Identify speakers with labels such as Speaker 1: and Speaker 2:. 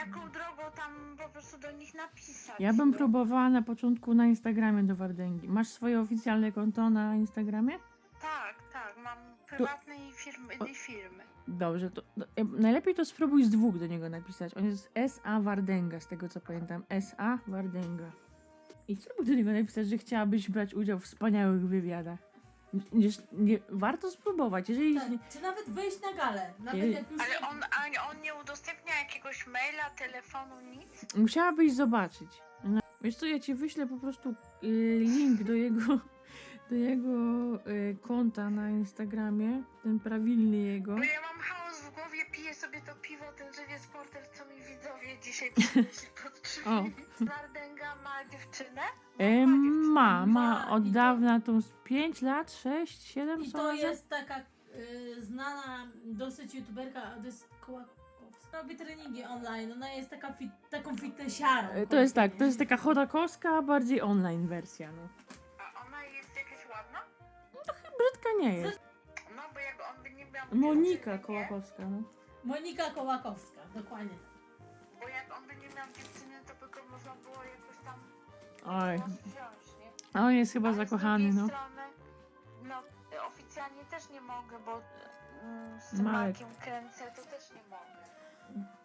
Speaker 1: jaką drogą tam po prostu do nich napisać.
Speaker 2: Ja bym
Speaker 1: no.
Speaker 2: próbowała na początku na Instagramie do Wardęgi. Masz swoje oficjalne konto na Instagramie?
Speaker 1: Tak, mam prywatne i firmy.
Speaker 2: Dobrze, najlepiej to spróbuj z dwóch do niego napisać. On jest S.A. Wardęga, z tego co pamiętam. S.A. Wardęga. I spróbuj do niego napisać, że chciałabyś brać udział w wspaniałych wywiadach. Warto spróbować, jeżeli...
Speaker 3: Tak, czy nawet wyjść na galę. Nawet
Speaker 2: Jej.
Speaker 3: jak już
Speaker 1: Ale on nie udostępnia jakiegoś maila, telefonu, nic?
Speaker 2: Musiałabyś zobaczyć. Wiesz co, ja ci wyślę po prostu link do jego konta na Instagramie, ten prawilny jego.
Speaker 1: Bo ja mam chaos w głowie, piję sobie to piwo, ten żywiec porter, co mi widzowie dzisiaj przynieśli pod drzwi. Wardęga ma dziewczynę?
Speaker 2: Ma od dawna tą z 5 lat, 6, 7
Speaker 3: I
Speaker 2: co
Speaker 3: to
Speaker 2: razem?
Speaker 3: jest taka znana dosyć youtuberka, to jest Kołakowska. Robi treningi online, ona jest taką fitnessiarą.
Speaker 2: To jest tak, to jest taka chodakowska, bardziej online wersja, no.
Speaker 1: A ona jest jakaś ładna?
Speaker 2: Brzydka nie jest.
Speaker 1: No, bo jak on by nie miał
Speaker 2: Monika
Speaker 1: dziewczyny, nie?
Speaker 2: Kołakowska, no.
Speaker 3: Monika Kołakowska, dokładnie.
Speaker 1: Bo jak on by nie miał dziewczyny, to by go można było jakoś tam
Speaker 2: Oj,
Speaker 1: wziąć, nie?
Speaker 2: a on jest chyba
Speaker 1: Ale
Speaker 2: zakochany,
Speaker 1: z
Speaker 2: no.
Speaker 1: drugiej strony, no, oficjalnie też nie mogę, bo z tym
Speaker 2: Marek.
Speaker 1: Markiem kręcę, to też nie mogę.